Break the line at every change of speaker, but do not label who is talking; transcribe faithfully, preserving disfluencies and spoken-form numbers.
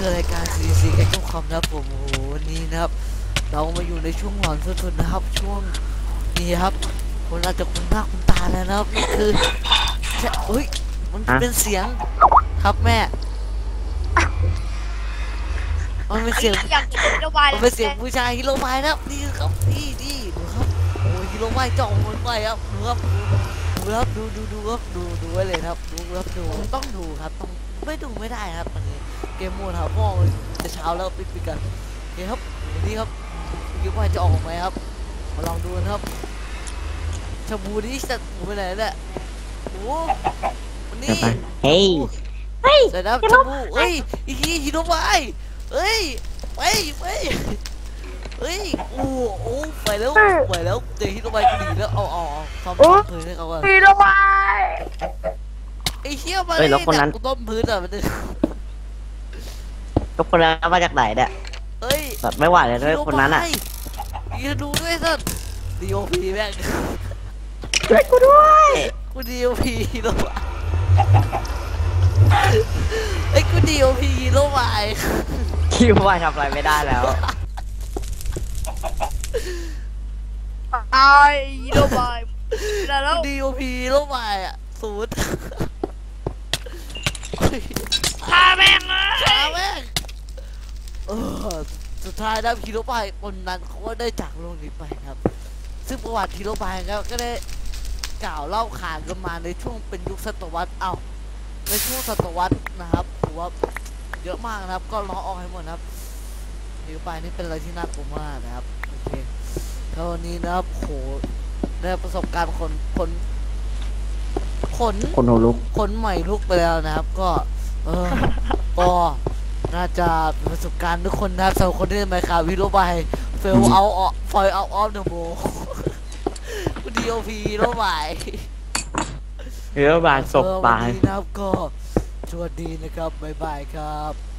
คือรายการ ซี ซี แกงคอมนะครับผมโอ้โหวันนี้นะครับเรามาอยู่ในช่วงหลอนสุดๆนะครับช่วงนี้ครับคนอาจจะคุ้นหน้าคุ้นตาแล้วนะครับนี่คือแค่เฮ้ยมันเป็นเสียงครับแม่มันเป็นเสียง
อย่างฮีโร่บาย
มันเป็นเสียงผู้ชายฮีโร่บายนะครับนี่ครับนี่นี่ดูครับโอ้ฮีโร่บายจ่องมันไปครับดูครับดูครับดูดูดูครับดูดูไว้เลยครับดูครับดูต้องดูครับต้องไม่ดูไม่ได้ครับวันนี้เกมโหมดครับพ่อจะเช้าแล้วปิดปิดกันโอเคครับวันนี้ครับคิดว่าจะออกไหมครับมาลองดูนะครับชาบูนี่จะหมูไปไหนเนี่ยโอ้วันนี้
เฮ้ย
เฮ้ยเสร็จแล้วชาบูเฮ้ยอีกทีฮีโร่บายเฮ้ยไปไปเฮ้ยโอ้โอ้ไปแล้วไปแล้วเจอฮีโร่บายกูดีแล้วเอาเอาเอาทำต้นพื้นให้เขาก่อน
ฮีโร่บาย
ไอ้เชี่ยมาเลยจากกูต้มพื้นอ่ะมันจะ
ทุกคนแล้วมาจากไหนเนี่ย
เฮ้ย
แบบไม่ไหวเลยด้วยคนนั้นอ่ะ
ยืนดูด้วยสัตว์ดีโอพีแม่ง
ช่วยกูด้วย
กูดีโอพีฮีโร่บายไอ้กูดีโอพีฮีโร่บาย
คิดว่าทำอะไรไม่ได้แล้ว
ตายฮีโร่บายแล้ว
กูดีโอพีฮีโร่บายอ่ะศูนย์
ฆ่าแม่งเลย
ขาแม่งเออสุดท้ายนะฮีโร่บายคนนั้นเขาก็ได้จากโลกนี้ไปครับซึ่งประวัติฮีโร่บายครับก็ได้กล่าวเล่าขานกันมาในช่วงเป็นยุคศตวรรษเอ้าในช่วงศตวรรษนะครับถือว่าเยอะมากนะครับก็ล้อออกให้หมดนะครับฮีโร่บายนี่เป็นอะไรที่น่ากลัวมากนะครับโอเคแล้ววันนี้นะครับโหได้ประสบการณ์คนคนขน
คนหูลุก
คนใหม่ลุกไปแล้วนะครับ ก็เออก็น่าจะเป็นประสบการณ์ทุกคนนะครับสำหรับคนที่เล่นไมค์ครับฮีโร่บายเฟลเอาออกฟอยเอาออฟเดอะโบกูดีโอพีฮีโร่บาย
เรือบานศพ
เออ
ตา
วัน
ย
นี้นะครับก็สวัสดีนะครับบ๊ายบายครับ